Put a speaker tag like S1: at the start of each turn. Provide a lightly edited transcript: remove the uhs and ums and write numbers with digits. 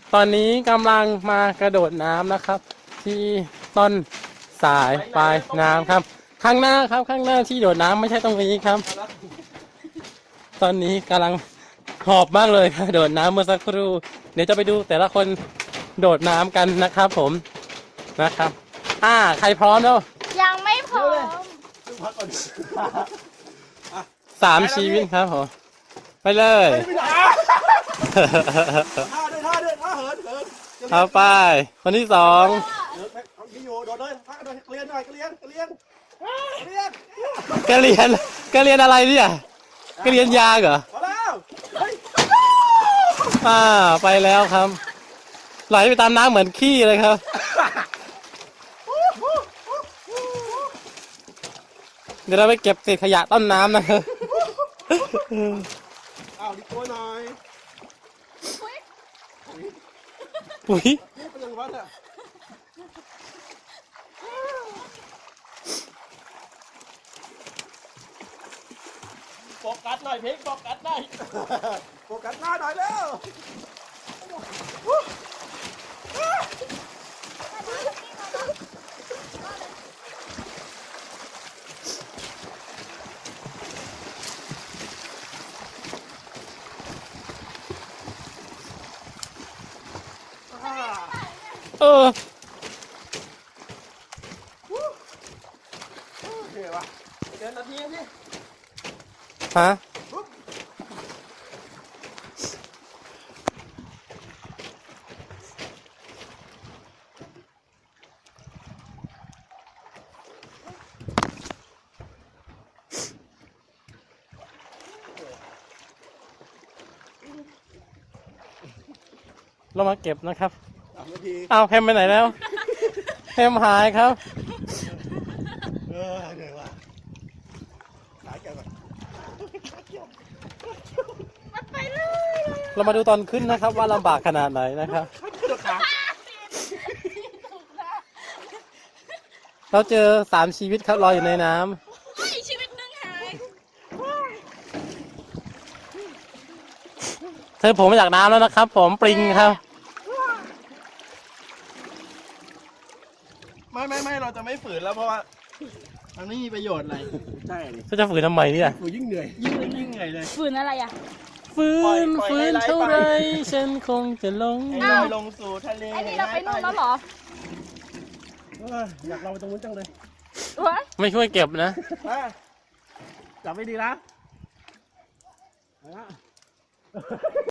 S1: ตอนนี้กำลังมากระโดดน้ำนะครับ ที่ต้นสายปลายน้ำครับ ข้างหน้าครับข้างหน้าที่โดดน้ำไม่ใช่ตรงนี้ครับ ตอนนี้กำลังหอบมากเลยครับโดดน้ำเมื่อสักครู่เดี๋ยวจะไปดูแต่ละคนโดดน้ำกันนะครับผมนะครับใครพร้อมแล้ว
S2: ยังไม่พร้อม
S3: พักก่อน
S1: 3 ชีวิตครับผมไปเลย
S3: ท่าด้วยท่าเหิน
S1: เอาไปคนที่2
S3: เอาที่อยู่โดดเลยพักด้วยเกลียนหน่อยเกลียน
S1: กะเรียนอะไรเนี่ยกะเรียนยางเหรอ
S3: พอแล้ว
S1: ไปแล้วครับไหลไปตามน้ำเหมือนขี้เลยครับเดี๋ยวเราไปเก็บเศษขยะต้นน้ำนะครับ
S3: เอาดิตัวหน่อย
S1: ปุ๋ย
S3: เป็นยังไงวะเนี่ยโฟกัสหน่อยเพลงโฟกัสหน่อยโฟกัสหน้าหน่อยเร็วโอเควะเดินนาทีพี่
S1: ฮะเรามาเก็บนะครับ
S3: 3 นาที
S1: เอาแพมไปไหนแล้วแพมหายครับ
S3: เหนื่อยวะหายใจก่อน
S2: ไปเลย
S1: เรามาดูตอนขึ้นนะครับว่าลำบากขนาดไหนนะครับ เราเจอ3 ชีวิตครับลอยอยู่ในน้ำ
S2: ชีวิตหนึ่งหาย
S1: เธอผมมาจากน้ำแล้วนะครับ ผมปริงครับ
S3: ไม่เราจะไม่ฝืนแล้วเพราะว่ามันไม่มีประโยชน์อะไรใช่ดิ
S1: จะฝืนทำไมเนี่ย
S3: ฝืนยิ่งเหนื่อยยิ่งเหนื่อยเลย
S2: ฝืนอะไรอ่ะ
S1: ฝืนเท่าไรฉันคงจะลง
S3: ให้ลอยลงสู่ทะเล
S2: ไอ้นี่เราไปนู่นแล้วเหรอ
S3: อยากเราไปตรงนู้นจังเลย
S2: วะ
S1: ไม่ช่วยเก็บนะ
S3: จับไม่ดีนะ